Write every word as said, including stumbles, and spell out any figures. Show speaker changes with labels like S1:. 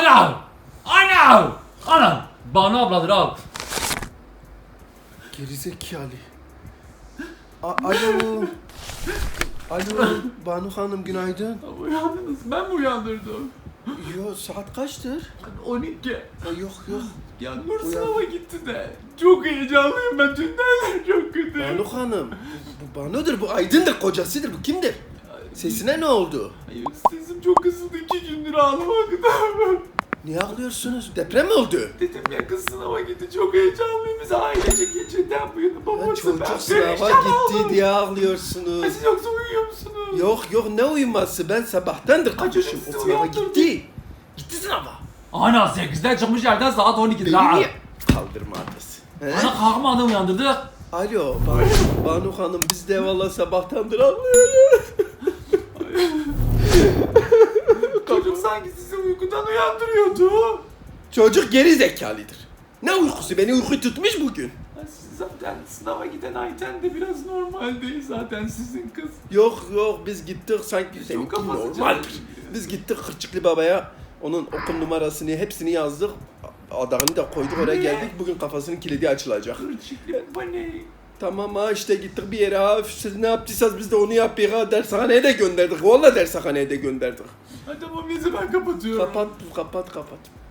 S1: Ana! Ana! Ana! Banu abladır al.
S2: Gerizekalı. A- Alo. Alo Banu Hanım günaydın.
S1: Uyandınız. Ben mi uyandırdım?
S2: Yo saat kaçtır?
S1: on iki.
S2: Ha, yok yok.
S1: Ya Nur
S2: Uyan.
S1: sınava gitti de. Çok heyecanlıyım ben. Dünden çok kötü.
S2: Banu Hanım. Bu Banu'dur, bu Aydın'dır, kocasıdır, bu kimdir? Sesine ne oldu?
S1: Ay, sesim çok kısıldı. iki gündür ağlamaktan.
S2: Niye ağlıyorsunuz? Deprem mi oldu?
S1: Dedim ya kız sınava gitti. Çok heyecanlıyım. Biz ailecek geçirden bu yana.
S2: Ha,
S1: Babası
S2: çocuk
S1: ben
S2: sınava
S1: perişan
S2: gitti
S1: oldum.
S2: diye
S1: Ay,
S2: ağlıyorsunuz.
S1: siz yoksa uyuyor musunuz?
S2: Yok yok, ne uyuması, ben sabahtandır konuşum.
S1: sizi
S2: O sınava
S1: uyandırdım.
S2: gitti. Gitti sınava.
S1: Ana sekizden çıkmış yerden saat on ikidir.
S2: Beni
S1: ha.
S2: niye kaldırmadınız? He?
S1: Ana kalkmadı uyandırdık.
S2: Alo Banu, Banu Hanım, biz de valla sabahtandır ağlıyoruz.
S1: Çocuk sanki sizi uykudan uyandırıyordu.
S2: Çocuk geri zekalıdır. Ne uykusu, beni uyku tutmuş bugün.
S1: Ay, siz zaten sınava giden Ayten de biraz normal değil zaten sizin kız.
S2: Yok yok, biz gittik sanki seninki
S1: kafası
S2: normaldir.
S1: çalışıyor.
S2: Biz gittik Kırçıklı Baba'ya, onun okul numarasını hepsini yazdık. Adağını da koyduk, oraya
S1: Ne?
S2: geldik, bugün kafasının kilidi açılacak.
S1: Kırçıklı bu ne?
S2: Tamam ha, işte gittik bir yere ha, siz ne yaptıysanız biz de onu yapıyoruz ha, dershaneye de gönderdik, valla dershaneye de gönderdik.
S1: Hadi tamam neyse ben kapatıyorum.
S2: Kapat kapat kapat.